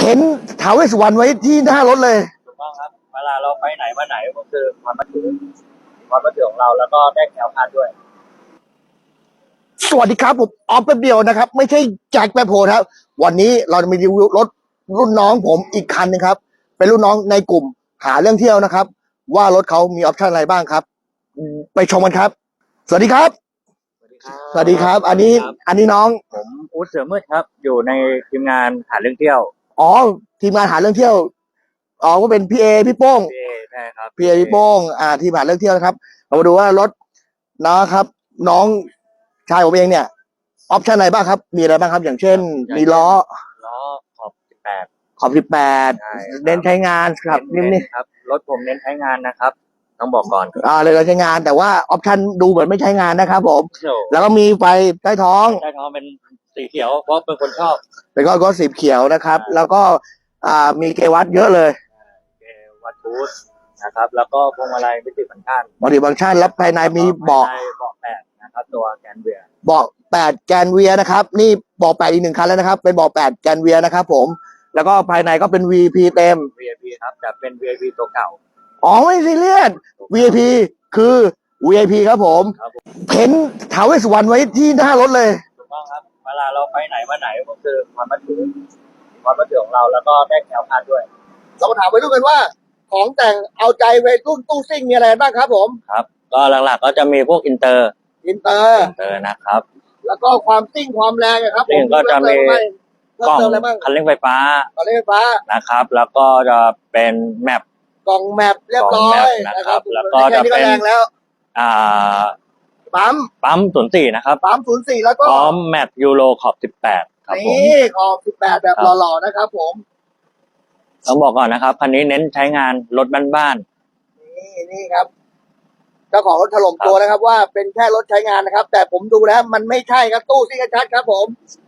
เห็นท้าวเวสสุวรรณไว้ที่หน้ารถเลยถูกต้องครับเวลาเราไปไหนมาไหนก็คือความมั่นคงของเราแล้วก็ได้แคล้วคลาดด้วยสวัสดีครับผมออฟแป๊บเดียวนะครับไม่ใช่แจ็คแป๊บโพครับวันนี้เราจะมีรีวิวรถรุ่นน้องผมอีกคันนึงครับเป็นรุ่นน้องในกลุ่มหาเรื่องเที่ยวนะครับว่ารถเขามีออปชั่นอะไรบ้างครับไปชมกันครับสวัสดีครับสวัสดีครับอันนี้น้องผมอู๊ดเสือมืดครับอยู่ในทีมงานหาเรื่องเที่ยวอ๋อทีมงานหาเรื่องเที่ยวอ๋อก็เป็นพี่เอพี่โป้งใช่ครับพี่เอพี่โป้งทีมหาเรื่องเที่ยวนะครับเรามาดูว่ารถนะครับน้องชายผมเองเนี่ยออปชั่นอะไรบ้างครับมีอะไรบ้างครับอย่างเช่นมีล้อขอบ18 ขอบ18เน้นใช้งานครับนี่ครับรถผมเน้นใช้งานนะครับต้องบอกก่อนเลยใช้งานแต่ว่าออปชั่นดูเหมือนไม่ใช้งานนะครับผมแล้วก็มีไฟใต้ท้องเป็นสีเขียวเพราะเป็นคนชอบเป็นก็สีเขียวนะครับแล้วก็มีเกวัตเยอะเลยเกวัตบูทนะครับแล้วก็พวงมาลัยมิติฟังก์ชันแล้วภายในมีเบาะ 8นะครับตัวแกนเวียเบาะ8แกนเวียนะครับนี่เบาะ8อีก1คันแล้วนะครับเป็นเบาะ8แกนเวียนะครับผมแล้วก็ภายในก็เป็น VIP เต็ม VIP ครับแต่เป็น VIP ตัวเก่าอ๋อไม่ซีเรียส VIP คือ VIP ครับผมเห็นท้าวเวสสุวรรณไว้ที่หน้ารถเลยถูกต้องครับเวลาเราไปไหนมาไหนก็คือความมั่นคงของเราแล้วก็ได้แคล้วคลาดด้วยเรามาถามไปดูกันว่าของแต่งเอาใจวัยรุ่นตู้ซิ่งมีอะไรบ้างครับผมครับก็หลักๆก็จะมีพวกอินเตอร์นะครับแล้วก็ความซิ่งความแรงครับผมก็จะมีกล่องคันเร่งไฟฟ้านะครับแล้วก็จะเป็นแมปกล่องแมปเรียบร้อยนะครับแล้วก็จะเป็นปั๊ม04นะครับปั๊ม04แล้วก็พร้อมแมปยูโรขอบ18ครับผมนี่ขอบ18แบบหล่อๆนะครับผมต้องบอกก่อนนะครับคันนี้เน้นใช้งานรถบ้านๆนี่ครับเจ้าของรถถล่มตัวนะครับว่าเป็นแค่รถใช้งานนะครับแต่ผมดูแล้วมันไม่ใช่ครับตู้ซิ่งชัดครับผม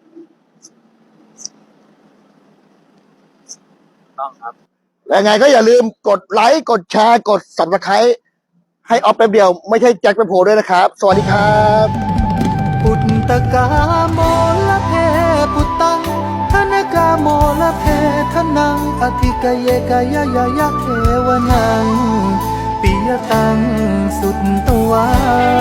ต้องครับยังไงก็อย่าลืมกดไลค์กดแชร์กด Subscribe ให้ออฟแป๊บเดียวไม่ใช่แจ็คแป๊บโพด้วยนะครับสวัสดีครับปุตตกาโมละเพปุตตังธนกาโมละเพทนังอธิกเยกายะยะเทวนังปิยตังสุตตวา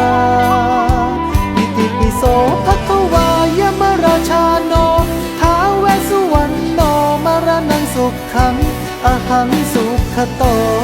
อิติปิโสภควายมราชาโนท้าวเวสสุวรรณโนมรณังสุขังอหังสุขโต